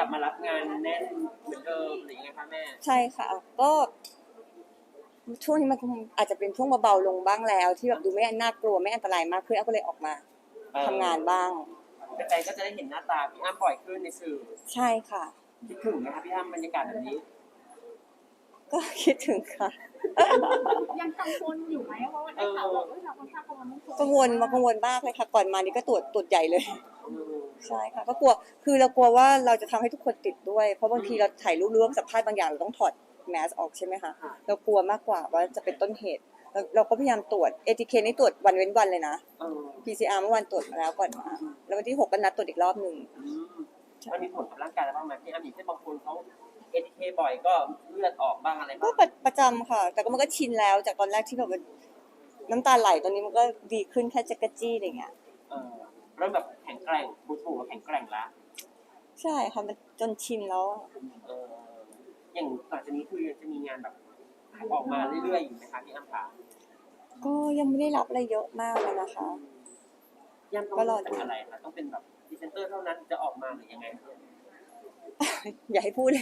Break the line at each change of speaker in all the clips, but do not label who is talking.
บมารับงานแน่นเหมือนเดิมหรือยังไงคะแม่
ใช่ค่ะก็ช่วงนี้มันคงอาจจะเป็นช่วงเบาๆลงบ้างแล้วที่แบบดูไม่น่ากลัวไม่อันตรายมากขึ้นก็เลยออกมาทำงานบ้าง
แฟนๆก็จะได้เห็นหน้าตาพี่อ้ำบ่อยขึ้นในสื่อ
ใช่ค่ะ
คิดถึงไหมคะพี่อ้ำบรรยากาศแบบนี้
ก็คิดถึงค่ะ
ยังกังวลอยู่ไหมเพราะว่าได้ข่าวว่าเราค่อนข้างกังวล
กังวลมากเลยค่ะก่อนมานี่ก็ตรวจใหญ่เลยใช่ค่ะก็กลัวคือเรากลัวว่าเราจะทำให้ทุกคนติดด้วยเพราะบางทีเราถ่ายรูปร่วมสัมภาษณ์บางอย่างเราต้องถอดแมสออกใช่ไหมคะเรากลัวมากกว่าว่าจะเป็นต้นเหตุเราก็พยายามตรวจ ATK นี่ตรวจวันเว้นวันเลยนะ PCR เมื่อวันตรวจมาแล้วก่อนมาแล้ววันที่6ก็นัดตรวจอีกรอบหนึ่ง
มันมีผลกับร่างกายแล้วบ้างไหมพี่อ้ำอย่างเช่นบางคนเขา ATK บ่อยก็เลือดออกบ้างอะไรบ้าง
ก็ประจำค่ะแต่ก็มันก็ชินแล้วจากตอนแรกที่แบบน้ำตาไหลตอนนี้มันก็ดีขึ้นแค่จักรจี้อะไรเงี้ย
เริ่มแบบแข็งแกร่งบูทูแข็งแกร่งละ
ใช่ค่ะมันจนชินแล้ว
อย่างต่อจากนี้คือจะมีงานแบบออกมาเรื่อยๆอยู่ไหมคะพี่อ้ำคะ
ก็ยังไม่ได้รับอะไรเยอะมากเลยนะคะ
ยังต้องเป็นอะไรคะต้องเป็นแบบพรีเซนเตอร์เท่านั้นจะออกมาหรือยังไง
อย่าให้พูดเลย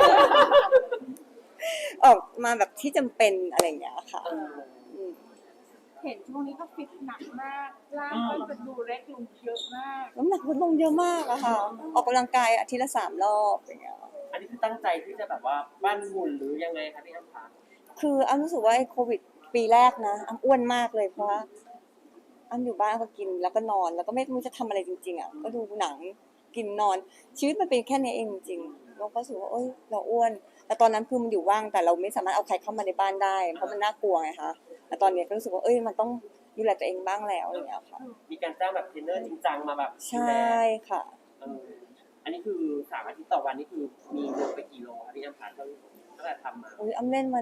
ออกมาแบบที่จำเป็นอะไรอย่างเงี้ยค่ะ
เห็นช่วงนี้ก็ฟิตหนักมากร่างก็จะดูเล็กลงเยอะมาก
น้ำหนักลดลงเยอะมากอะค่ะออกกำลังกายอาทิตย์ละ3 รอบอย่างเงี้ย
อันนี้คือตั้งใจที่จะแบบว่าปั้นหุ่นหรือยังไงคะพี่อ้ำคะ
คืออ้ำรู้สึกว่าโควิดปีแรกนะอ้ำอ้วนมากเลยเพราะว่าอ้ำอยู่บ้านก็กินแล้วก็นอนแล้วก็ไม่รู้จะทำอะไรจริงๆอะก็ดูหนังกินนอนชีวิตมันเป็นแค่นี้เองจริงๆเราก็รู้สึกว่าเราอ้วนแต่ตอนนั้นคือมันอยู่ว่างแต่เราไม่สามารถเอาใครเข้ามาในบ้านได้เพราะมันน่ากลัวไงคะแต่ตอนนี้ก็รู้สึกว่ามันต้องดูแลตัวเองบ้างแล้วอย่างเงี้ยค่ะ
มีการจ้างแบบเทรนเนอร์จริงจังมาแบบ
ใช่ค่ะ
อันนี้คือ3 อาทิตย์ต่อวันนี่คือมีลงไปกี่โลครับพี่อ้ำคะตั้งแต่ทำมา
อ้ำเล่นมัน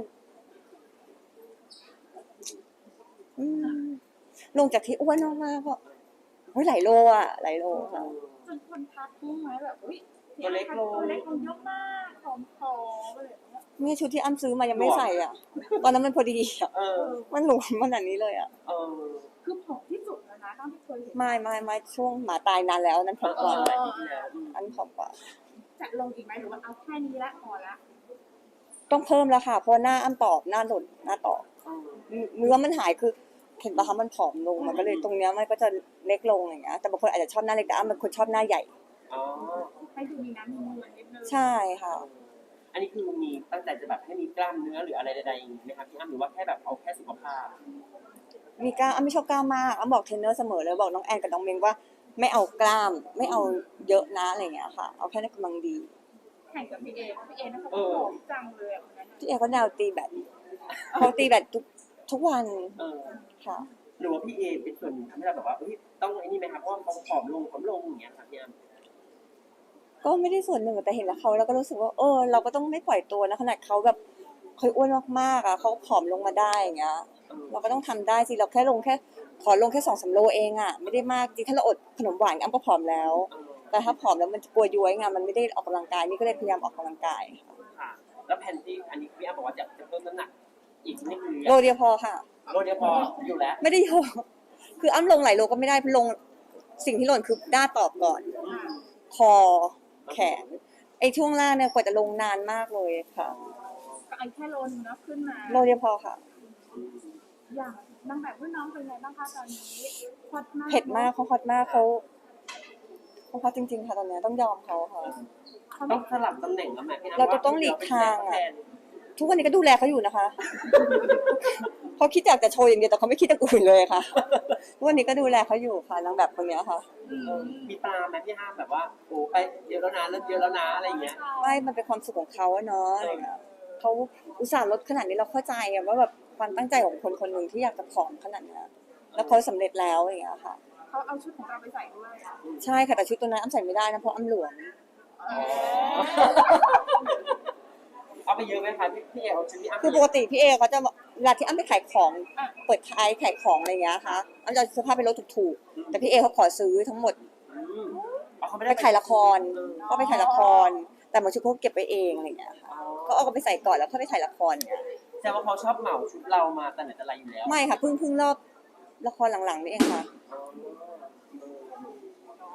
ลงจากที่อ้วนมากๆก็หลายโลหลายโลค่ะ
จนคนทักรู้ไหมแบบ
ตัวเล็กลง
เยอะมากผอมๆอะไรอย่างเงี้ย
นี่ชุดที่อ้ำซื้อมายังไม่ใส่อ่ะตอนนั้นมันพอดีอ่ะมันหลวมขนาดนี้เลยอ่ะ
คือผอมที่สุดแล้วนะตั้งที่เคยเห็น
ไม่ช่วงหมาตายนานแล้วนั้นผอมกว่าอันผอมกว่า
จะลงอีกไหมหรือว่าเอาแค่นี้ละพอละ
ต้องเพิ่มแล้วค่ะเพราะหน้าอ้ำตอบหน้าหล่นหน้าตอบเนื้อมันหายคือเห็นปะคะมันผอมลงมันก็เลยตรงเนี้ยมันก็จะเล็กลงอย่างเงี้ยแต่บางคนอาจจะชอบหน้าเล็กแต่อ้ำเป็นคนชอบหน้าใหญ่
ให้ดูมีน้ำมีเงินนิดนึง
ใช่ค่ะ
อันนี้คือมีตั้งแต่จะแบบให้มีกล้ามเนื้อหรืออะไรใดๆไหมครับพี่อ้ำหรือว่าแค่แบบเอาแค่สุขภาพ
มีกล้ามอ้ำไม่ชอบกล้ามมากอ้ำบอกเทรนเนอร์เสมอเลยบอกน้องแอนกับน้องเมงว่าไม่เอากล้ามไม่เอาเยอะนะอะไรเงี้ยค่ะเอาแค่ในกำลังดี
แข่งกับพี่เอนะคะผอมจังเลย
พี่เอเขาแนวตีแบดเขาตีแบดทุกวันค่ะ
หรือว่าพี่เอเป็นส่วนหนึ่งทำให้เราแบบว่าต้องไอ้นี่ไหมครับเพราะว่าเขาผอมลงอย่างเงี้ยครับพี่อ้ำ
ก็ไม่ได้ส่วนหนึ่งแต่เห็นแล้วเขาแล้วก็รู้สึกว่าเราก็ต้องไม่ปล่อยตัวนะขนาดเขาแบบเคยอ้วนมากๆอ่ะเขาผอมลงมาได้อย่างเงี้ยเราก็ต้องทำได้สิเราแค่ขอลงแค่2-3 โลเองอ่ะไม่ได้มากจริงถ้าเราอดขนมหวานอ้ำก็ผอมแล้วแต่ถ้าผอมแล้วมันจะกลัวย้วยไงมันไม่ได้ออกกำลังกายนี่ก็เลยพยายามออกกำลังกาย
ค่ะแล้วแผนที่อันนี้พี่อ้ำบอกว่าจะเพิ่มน้ำหนักอีกนี่คือ
โลเดียวพอค่ะ
โลเดียวพออยู่แล้ว
ไม่ได้เยอะคืออ้ำลงหลายโลก็ไม่ได้ลงสิ่งที่หล่นคือหน้าตอบก่อนคอแขนไอ้ช่วงล่างเนี่ยกว่าจะลงนานมากเลยค่ะ
ก็ไอ้แค่โลนึงนะขึ้นมา
โลเดียวพอค่ะ
อย่างนางแบบรุ่นน้องเป็นไงบ้างคะตอนนี้ฮอตมาก
เผ็ดมากเขาฮอตมากเขาฮอตจริงๆค่ะตอนนี้ต้องยอมเขาค่ะ
ต้องสลับตำแหน่งแล้วแม่พี่
เราต้องหลีกทางอ่ะทุกวันนี้ก็ดูแลเขาอยู่นะคะเขาคิดอยากจะโชว์อย่างเดียวแต่เขาไม่คิดอย่างอื่นเลยค่ะทุกวันนี้ก็ดูแลเขาอยู่ค่ะนางแบบคนนี้ค่ะ
มีปลาไหมพี่ห้ามแบบว่าโอ้ไปเยอะแล้วนะเริ่มเยอะแล้วนะอะไรอย่างเงี้ย
ไม่มันเป็นความสุขของเขาเนาะอะไรเงี้ยเขาอุตส่าห์ลดขนาดนี้เราเข้าใจว่าแบบความตั้งใจของคนคนหนึ่งที่อยากจะผอมขนาดนี้แล้วเขาสำเร็จแล้วอย่างเงี้ยค่ะ
เขาเอาชุดของเราไปใส่ด้วย
ใช่ค่ะแต่ชุดตัวนั้นอ้ำใส่ไม่ได้นะเพราะอ้ำหลวม
เอาไปเยอะไหมคะพี่เอเอาชุดที่อ้ำ
คือปกติพี่เอเขาจะเวลาที่อ้ำไปขายของเปิดท้ายขายของอะไรเงี้ยค่ะอ้ำจะเสื้อผ้าไปลดถูกๆแต่พี่เอเขาขอซื้อทั้งหมดไปถ่ายละครก็ไปถ่ายละครแต่บางชุดเขาเก็บไว้เองอะไรเงี้ยค่ะก็เอาไปใส่ก่อนแล้วค่อยไปถ่ายละครเนี่ย
แต่ว่าเขาชอบเหมาชุดเรามาแต่ไหนแต่ไรอยู่แล้ว
ไม่ค่ะเพิ่งรอบละครหลังๆนี่เองค่ะ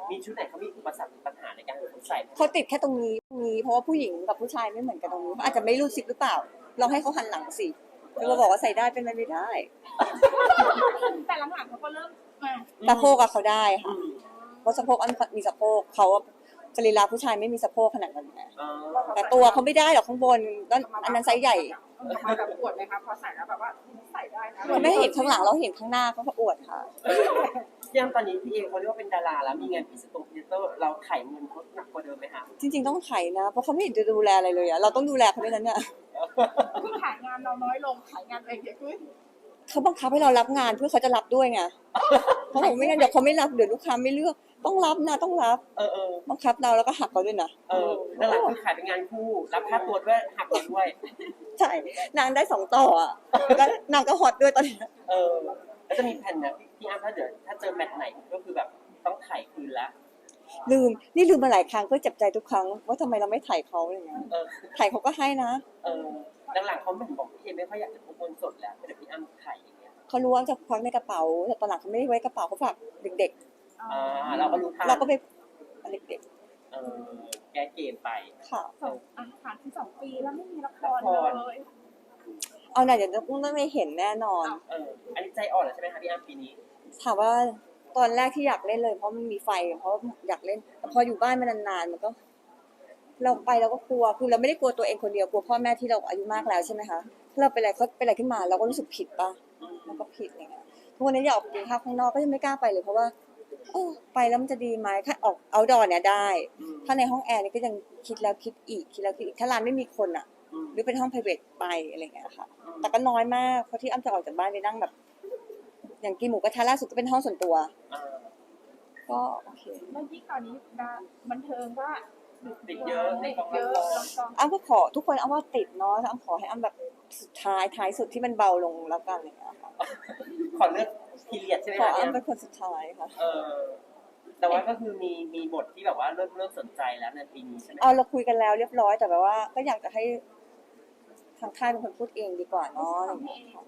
มีชุดไหนเขามีอุปสรรคปัญหาในการใส่
เขาติดแค่ตรงนี้เพราะว่าผู้หญิงกับผู้ชายไม่เหมือนกันตรงนี้เขาอาจจะไม่รู้สิกหรือเปล่าลองให้เขาหันหลังสิแล้วมาบอกว่าใส่ได้เป็นไปไม่ได้
แต่หลังๆเขาก็เริ่มมา
สะโพกอะเขาได้ค่ะเพราะสะโพกอันมีสะโพกเขาสรีระผู้ชายไม่มีสะโพกขนาดนั้นนะแต่ตัวเขาไม่ได้หรอกข้างบนก็อันนั้นไซส์ใหญ่
มาแบบปวดไหมคะพอใส่แล้วแบบว่าใส่ได้นะ
เขาไม่เห็นข้างหลังเราเห็นข้างหน้าเขาอวดค่ะ
ยังตอนนี้พี่เอเขาเรียกว่าเป็นดาราแล้วมีงานพรีเซนเตอร์เราไถ่เงินเขาหนักกว่าเดิมไหมคะ
จริงๆต้องไถนะเพราะเขาไม่เห็นจะดูแลอะไรเลยอะเราต้องดูแลเขาด้วยนะเนี่ย
คือขายงานเราน้อยลงขายงานตัวเองเยอะขึ้น
เขาบังคับให้เรารับงานเพื่อเขาจะรับด้วยไงเขาบอกไม่งั้นเดี๋ยวเขาไม่รับเดี๋ยวลูกค้าไม่เลือกต้องรับนะต้องรับ บังคับเราแล้วก็หักเขาด้วยนะ
นั่นแหละคือขายเป็นงานคู่รับค่าตัวด้วยหักเราด้วย
ใช่นางได้2 ต่ออ่ะแล้วนางก็ฮอตด้วยตอนนี้
แล้วจะมีแผนนะพี่อ้ำถ้าเจอแมตช์ไหนก็คือแบบต้องไถ่คืนละ
ลืมมาหลายครั้งก็เจ็บใจทุกครั้งว่าทำไมเราไม่ถ่ายเขาอะไรเงี้ยถ่ายเขาก็ให้นะ
หลังๆเขาเหมือนบอกพี่เอไม่ค่อยอยากจะพกเงินสดแล้วแต่พี่อ้ำไถ่อย่างเงี้ย
เขารู้ว่าจะควักในกระเป๋าแต่ตอนหลังเขาไม่ได้ไว้กระเป๋าเขาฝากเด็ก
เราก็รู้ทาง
ๆเราก็ไปเด็ก
แก้เกมไป
ๆค่ะ
ผ่านที่2 ปีแล้วไม่มีละครเลย
เอาหน่อยเดี๋ยวต้องไม่เห็นแน่นอน
อันนี้ใจอ่อนแล้วใช่ไหมคะพี่อ้ำปีนี้
ถามว่าตอนแรกที่อยากเล่นเลยเพราะมันมีไฟเพราะอยากเล่นแต่พออยู่บ้านมานานๆมันก็ เราไปเราก็กลัวคือเราไม่ได้กลัวตัวเองคนเดียวกลัวพ่อแม่ที่เราอายุมากแล้วใช่ไหมคะถ้าเราเป็นอะไรเขาเป็นอะไรขึ้นมาเราก็รู้สึกผิดป่ะมันก็ผิดอะไรเงี้ยทุกวันนี้อยากออกไปกินข้าวข้างนอกก็ยังไม่กล้าไปเลยเพราะว่าไปแล้วมันจะดีไหมถ้าออกเอาดอเนี่ยได้ ถ้าในห้องแอร์นี่ก็ยังคิดแล้วคิดอีกถ้าร้านไม่มีคนอ่ะ หรือเป็นห้อง private ไปอะไรเงี้ยค่ะแต่ก็น้อยมากเพราะที่อ้ำจะออกจากบ้านไปนั่งแบบ อย่างกินหมูกระทะล่าสุดก็เป็นห้องส่วนตัวก็โอเค
แล้วยิ่งตอนนี้บันเทิงว่า
ติดเยอะ
อ้ำก็ขอทุกคนอ้ำว่าติดเนาะอ้ำขอให้อ้ำแบบสุดท้ายสุดที่มันเบาลงแล้วกันอะไรอย่างเงี้ยค่ะ
ขอเลือกพีเรียดใช่ไหม
ขอ
คะ
อ้ำเป็นคนสุดท้ายค่ะ
แต่ว่าก็คือมีบทที่แบบว่าเริ่มสนใจแล้วในปีนี้ใช่ไหม
เราคุยกันแล้วเรียบร้อยแต่แบบว่า ก็อยากจะให้ทางค่ายเป็นคนพูดเองดีกว่าเนาะอะไรอย่างเงี้ยค่ะ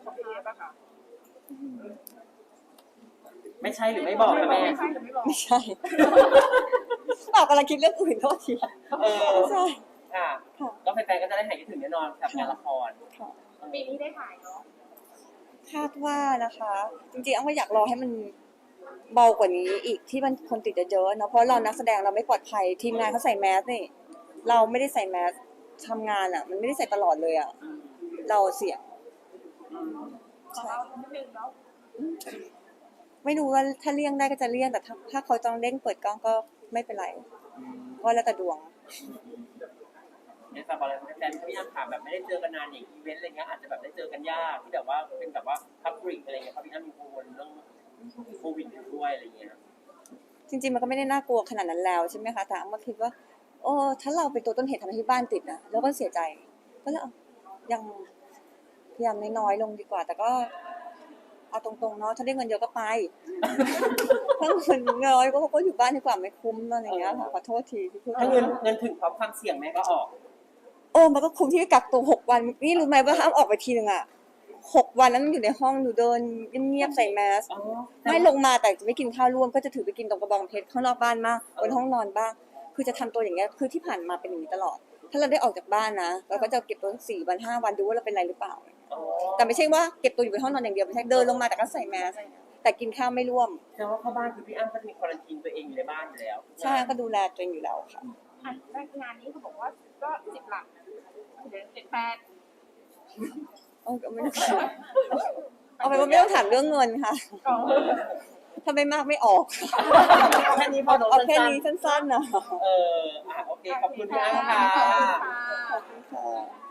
ไม่ใช่หรือไม่บอกนะแม่
ไม่ใช่หรือไม่บอก
ไม่ใช่กำลังคิดเรื่องอื่นโทษทีไม่ใช่
ค่ะ
ค่ะ
ก็แฟนๆก็จะได้หายคิดถึงแน่นอนกับงานละคร
ค่ะ
ปีนี้ได้ถ่ายเนาะ
คาดว่านะคะ จริงๆอ้ำก็อยากรอให้มันเบากว่านี้อีกที่มันคนติดเยอะๆเนาะเพราะเรานักแสดงเราไม่ปลอดภัยทีมงานเขาใส่แมสนี่เราไม่ได้ใส่แมสทำงานอ่ะ มันไม่ได้ใส่ตลอดเลยอ่ะเราเสี่ยง
ขอเรานิดนึงเนาะ
ไม่รู้ว่าถ้าเลี่ยงได้ก็จะเลี่ยงแต่ถ้าเขาต้องเร่งเปิดกล้องก็ไม่เป็นไรก็แล้วแต่ดวง
เนี่ยแต่บอลแฟนๆพี่อ้ำถามแบบไม่ได้เจอกันนานอย่างอีเวนต์อะไรเงี้ยอาจจะแบบได้เจอกันยากที่แบบว่าเป็นแบบว่าพับริกอะไรเงี้ยครับพี่อ้ำมีกังวลเรื่องโควิดด้วยอะไรเงี้ย
จริงๆมันก็ไม่ได้น่ากลัวขนาดนั้นแล้วใช่ไหมคะแต่อ้ำก็คิดว่าถ้าเราเป็นตัวต้นเหตุทำให้ที่บ้านติดนะแล้วก็เสียใจก็เลยยังพยายามน้อยๆลงดีกว่า แต่ก็เอาตรงๆเนาะถ้าได้เงินเยอะก็ไปถ้าเงินน้อยก็อยู่บ้านดีกว่าไม่คุ้มอะไรอย่างเงี้ยค่ะขอโทษทีที่พูด
ถ้าเงินถึงพร้อมความเสี่ยงแม่ก็ออก
มันก็คุ้มที่กักตัว6 วันนี่รู้ไหมว่าห้ามออกไปทีนึงอ่ะ6 วันนั้นมันอยู่ในห้องหนูเดินเงียบๆใส่แมสไม่ลงมาแต่จะไม่กินข้าวร่วมก็จะถือไปกินตรงกระบองเพชรข้างนอกบ้านมากบนห้องนอนบ้างคือจะทำตัวอย่างเงี้ยคือที่ผ่านมาเป็นอย่างนี้ตลอด ถ้าเราได้ออกจากบ้านนะเราก็จะเก็บตัว4 วัน 5 วันดูว่าเราเป็นอะไรหรือเปล่าแต่ไม่ใช่ว่าเก็บตัวอยู่บนห้องนอนอย่างเดียวไม่ใช่เดินลงมาแต่ก็ใส่แมสแต่กินข้าวไม่ร่วม
แต่ว่าเข้าบ้านคือพี่อ้ำก็จะมีควอรันทีนตัวเองอยู่ในบ้านอยู่แล้ว
ใช่ก็ดูแลตัวเองอยู่แล้วค่ะ
งานนี้เขาบอกว่าก็10 หลักเดี๋ยว7-8
ไม่ต้องเอาไปว่าไม่ต้องถามเรื่องเงินค่ะถ้าไม่มากไม่ออก
แค่นี้พอ
เอาแค่นี้สั้นๆนะ
โอเคขอบคุณพี่อ้ำค่ะ
ขอบคุณค่ะ